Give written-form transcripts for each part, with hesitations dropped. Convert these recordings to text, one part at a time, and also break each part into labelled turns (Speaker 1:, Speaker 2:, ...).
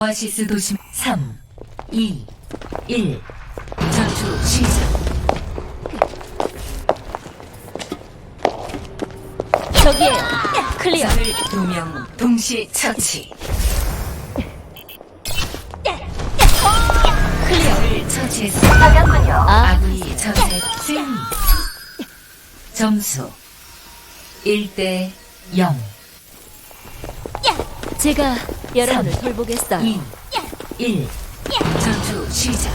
Speaker 1: 오아시스 도심 3, 2, 1 전투 시작.
Speaker 2: 저기에요. 클리어.
Speaker 1: 적을 2명 동시 처치.
Speaker 2: 클리어.
Speaker 1: 적을 처치했습니다.
Speaker 2: 아,
Speaker 1: 아군이 전세 승리. 점수 1대 0.
Speaker 2: 제가 여러분을 돌보겠어요.
Speaker 1: 2, 1 전투 시작.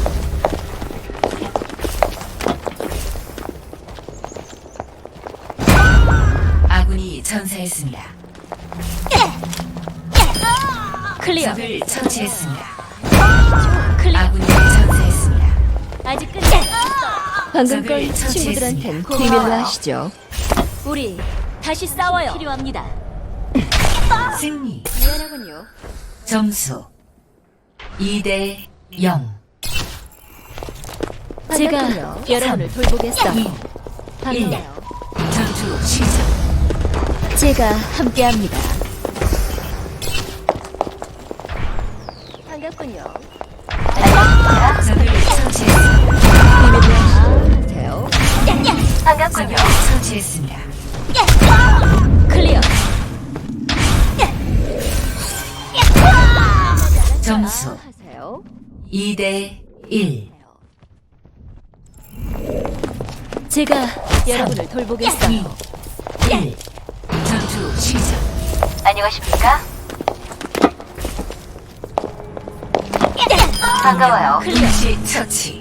Speaker 1: 아군이 전사했습니다.
Speaker 2: 클리어.
Speaker 1: 적을 처치했습니다.
Speaker 2: 클리어.
Speaker 1: 아군이 전사했습니다.
Speaker 2: 아직 끝이 방금
Speaker 1: 적을
Speaker 2: 건
Speaker 1: 처치했습니다.
Speaker 2: 친구들한텐
Speaker 1: 고마워요.
Speaker 2: 비밀로 하시죠. 우리 다시 싸워요. 필요합니다.
Speaker 1: 승리.
Speaker 2: 미안하군요.
Speaker 1: 점수 2대 0.
Speaker 2: 제가 여러분을 돌보겠어요.
Speaker 1: 2, 1
Speaker 2: 반가워요.
Speaker 1: 전투 시작.
Speaker 2: 제가 함께합니다. 반갑군요.
Speaker 1: 적을 처치했습니다.
Speaker 2: 비밀로 하세요.
Speaker 1: 적을 처치했습니다.
Speaker 2: 클리어.
Speaker 1: 점수
Speaker 2: 하세요.
Speaker 1: 2대 1.
Speaker 2: 제가 여러분을 돌보겠어요.
Speaker 1: 1 전투 시작.
Speaker 3: 안녕하십니까? 반가워요.
Speaker 1: 동시 처치.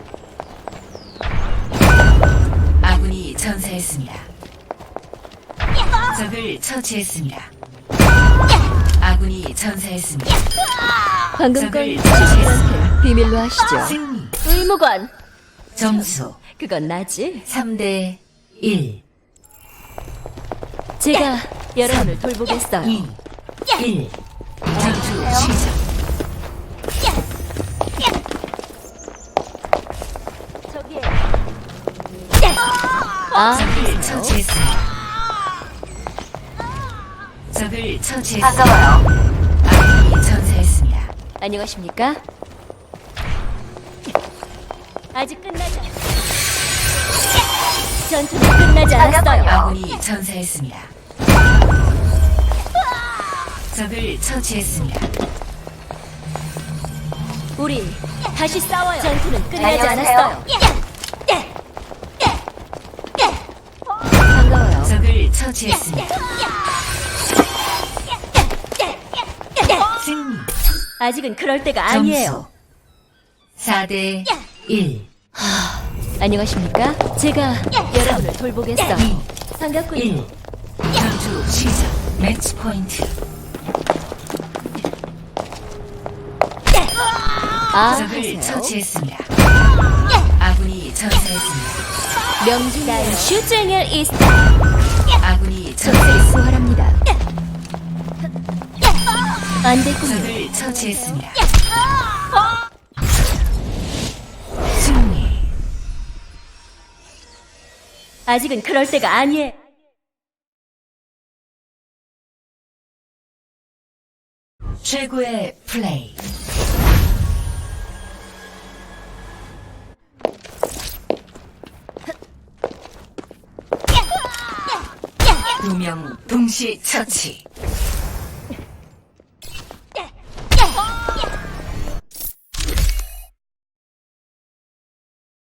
Speaker 1: 아군이 전사했습니다. 적을 처치했습니다. 아군이 전사했습니다.
Speaker 2: 방금 건
Speaker 1: 적을
Speaker 2: 친구들한테 비밀로 하시죠.
Speaker 1: 승리.
Speaker 2: 의무관.
Speaker 1: 점수
Speaker 2: 그건 나지.
Speaker 1: 3대 1.
Speaker 2: 제가 여러분을 돌보겠어요.
Speaker 1: 2 1 전투 시작.
Speaker 2: 저기에. 아,
Speaker 1: 적을 처치했습니다. 적을 처치했습니다.
Speaker 3: 반가워요.
Speaker 1: 아군이 전사했습니다.
Speaker 2: 안녕하십니까? 아직 끝나지 않... 전투는 끝나지 않았어요.
Speaker 1: 아군이 전사했습니다. 적을 처치했습니다.
Speaker 2: 우리 다시 싸워요. 전투는 끝나지
Speaker 3: 안녕하세요.
Speaker 2: 않았어요. 반가워요.
Speaker 1: 적을 처치했습니다. 승리.
Speaker 2: 아직은 그럴 때가 아니에요.
Speaker 1: 점수 4대 1.
Speaker 2: 안녕하십니까? 제가 여러분을 돌보겠어요.
Speaker 1: 2
Speaker 2: 반갑군요.
Speaker 1: 1 전투 시작. 매치 포인트.
Speaker 2: 아,
Speaker 1: 적을
Speaker 2: 하세요.
Speaker 1: 처치했습니다. 아군이 전사했습니다.
Speaker 2: 명중난 슈쟁일 이스타.
Speaker 1: 아군이
Speaker 2: 적들이
Speaker 1: 전사했습니다.
Speaker 2: 부활합니다. 안 됐군요.
Speaker 1: 적을 처치했습니다. 승리.
Speaker 2: 아직은 그럴 때가 아니에요.
Speaker 1: 최고의 플레이. 두 명 동시 처치.